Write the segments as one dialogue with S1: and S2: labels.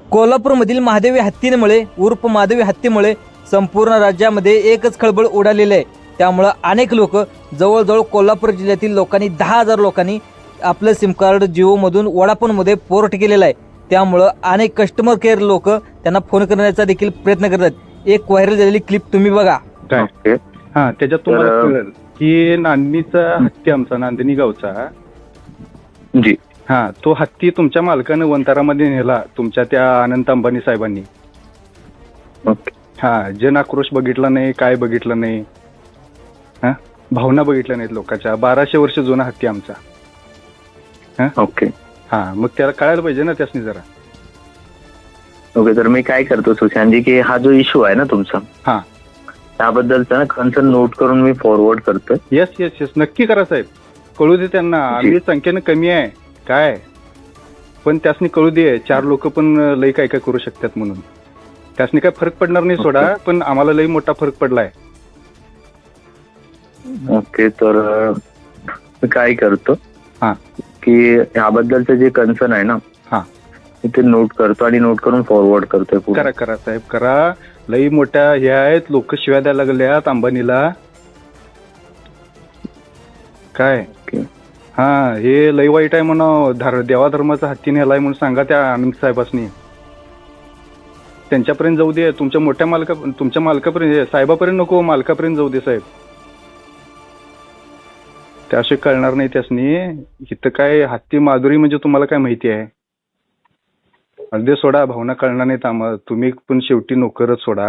S1: कोल्हापूरमधील महादेवी हत्तीमुळे उर्फ महादेवी हत्तीमुळे संपूर्ण राज्यामध्ये एकच खळबळ उडालेली आहे. त्यामुळं अनेक लोक जवळजवळ कोल्हापूर जिल्ह्यातील लोकांनी 10,000 लोकांनी आपलं सिम कार्ड जिओमधून वोडाफोनमध्ये पोर्ट केलेलं आहे. त्यामुळं अनेक कस्टमर केअर लोक त्यांना फोन करण्याचा देखील प्रयत्न करतात. एक व्हायरल झालेली क्लिप तुम्ही बघा.
S2: काय हा त्याच्यात तुम्हाला कळेल की नांदणीचा हत्ती आमचा नांदणी गावचा
S3: जी
S2: हा तो हत्ती तुमच्या मालकानं वंतारामध्ये नेला तुमच्या त्या अनंत अंबानी साहेबांनी.
S3: ओके
S2: हा जन आक्रोश बघितला नाही, काय बघितलं नाही, हा भावना बघितल्या नाहीत लोकांच्या. 1200 वर्ष जुना हत्ती आमचा.
S3: ओके
S2: हा मग त्याला कळायला पाहिजे ना त्यासनी जरा.
S3: ओके तर मी काय करतो सुशांतजी की हा जो इश्यू आहे ना तुमचा
S2: हा
S3: त्याबद्दलचा ना कन्सर्न नोट करून मी फॉरवर्ड करतोय.
S2: येस येस येस नक्की करा साहेब. कळू दे त्यांना. आम्ही संख्येनं कमी आहे काय पण त्यासनी कळू दे. 4 लोक पण लई काय काय करू शकतात म्हणून. त्यासनी काय फरक पडणार नाही सोडा, पण आम्हाला लई मोठा फरक पडलाय.
S3: ओके तर मी काय करतो
S2: हा
S3: की ह्याबद्दलचं जे कन्सर्न आहे ना
S2: हा
S3: ते नोट करतो आणि नोट करून फॉरवर्ड करतोय पुढे.
S2: करा करा साहेब करा. लई मोठ्या हे आहेत लोक शिव्या द्यायला लागल्यात अंबानीला काय.
S3: ओके.
S2: हा हे लई वाईट आहे म्हणा. देवाधर्माचा हत्ती नेलाय म्हणून सांगा त्या आनंद साहेबांनी. त्यांच्यापर्यंत जाऊ दे. तुमच्या मालकापर्यंत साहेबापर्यंत नको, मालकापर्यंत जाऊ दे साहेब. त्याशिवाय कळणार नाही त्यासनी. इथं काय हत्ती माधुरी म्हणजे तुम्हाला काय माहिती आहे. अगदी सोडा भावना कळणार नाहीत आम्हाला. तुम्ही पण शेवटी नोकरच सोडा.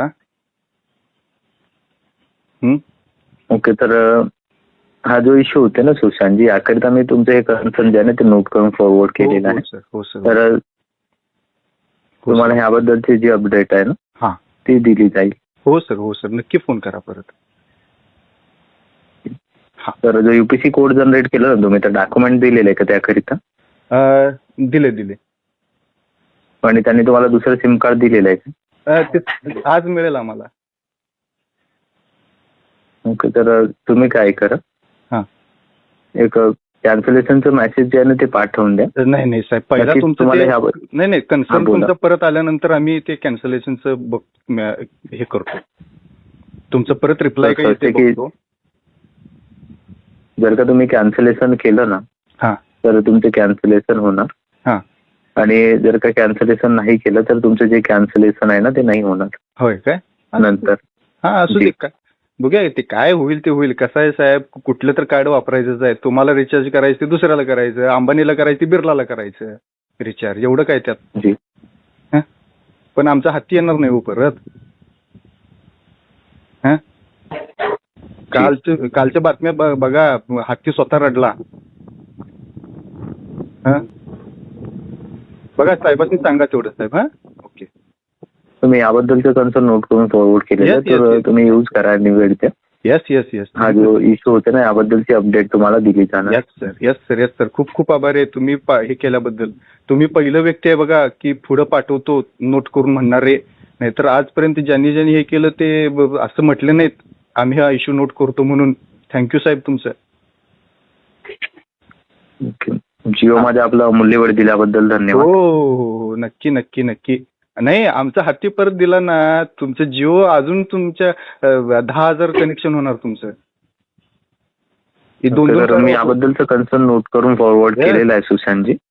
S3: ओके तर हा जो इश्यू होते ना सुशांतजी याकरिता मी तुमचं हे कन्सर्न जे आहे ना ते नोट करून फॉरवर्ड केलेलं आहे.
S2: हो सर.
S3: तर तुम्हाला ह्याबद्दलची जी अपडेट आहे ना
S2: हा
S3: ती दिली जाईल.
S2: हो सर नक्की फोन करा परत.
S3: तर जो युपीसी कोड जनरेट केला ना तुम्ही तर डॉक्युमेंट दिलेलं आहे का त्याकरिता?
S2: दिले
S3: आणि त्यांनी तुम्हाला दुसरं सिम कार्ड दिलेलं आहे का?
S2: ते आज मिळेल आम्हाला.
S3: ओके तर तुम्ही काय करा
S2: हा
S3: एक कॅन्सलेशनचं मेसेज जे आहे ना ते पाठवून द्या.
S2: नाही साहेब पहिला
S3: बाकी
S2: तुमचं
S3: तुम्हाला
S2: ते-
S3: ह्याबद्दल-
S2: नाही कन्सर्न
S3: बोला.
S2: तुमचं परत आल्यानंतर आम्ही ते कॅन्सलेशनचं हे करतो. तुमचं परत रिप्लाय
S3: तर
S2: काय ते
S3: की-
S2: बघतो.
S3: जर का तुम्ही कॅन्सलेशन केलं ना
S2: हा
S3: तर तुमचे कॅन्सलेशन होणार.
S2: हा
S3: आणि जर का कॅन्सलेशन नाही केलं तर तुमचं जे कॅन्सलेशन आहे ना ते नाही होणार
S2: होय काय
S3: नंतर.
S2: हा असू दे काय बघूया ते काय होईल ते होईल. कसं आहे साहेब कुठलं तर कार्ड वापरायचंच आहे. तुम्हाला रिचार्ज करायचं ते दुसऱ्याला करायचं, अंबानीला करायचं ते बिर्लाला करायचं रिचार्ज. एवढं काय त्यात.
S3: जी
S2: पण आमचा हत्ती येणार नाही हो परत. कालच्या बातम्या बघा हत्ती स्वतः रडला. बघा साहेबांनी सांगा तेवढं साहेब. ओके
S3: तुम्ही याबद्दलचं कन्सर्न नोट करून फॉरवर्ड केलेलं
S2: Yes, yes,
S3: तर
S2: yes.
S3: तुम्ही यूज करा निवेदच्या.
S2: येस
S3: हा जो इश्यू होते ना याबद्दलची अपडेट तुम्हाला दिली जाणार.
S2: येस सर खूप आभार आहे तुम्ही हे केल्याबद्दल. तुम्ही पहिलं व्यक्ती आहे बघा की पुढं पाठवतो नोट करून म्हणणारे. नाहीतर आजपर्यंत ज्यांनी हे केलं ते असं म्हटलं नाहीत आम्ही हा इश्यू नोट करतो म्हणून. थँक्यू साहेब तुमचं.
S3: जिओ मध्ये आपला अमूल्य वेळ दिल्याबद्दल धन्यवाद.
S2: हो नक्की. नाही आमचा हत्ती परत दिला ना तुमचं जिओ अजून तुमच्या 10,000 कनेक्शन होणार तुमचं.
S3: तर मी याबद्दलचं कन्सर्न नोट करून फॉरवर्ड केलेलं आहे सुशांतजी.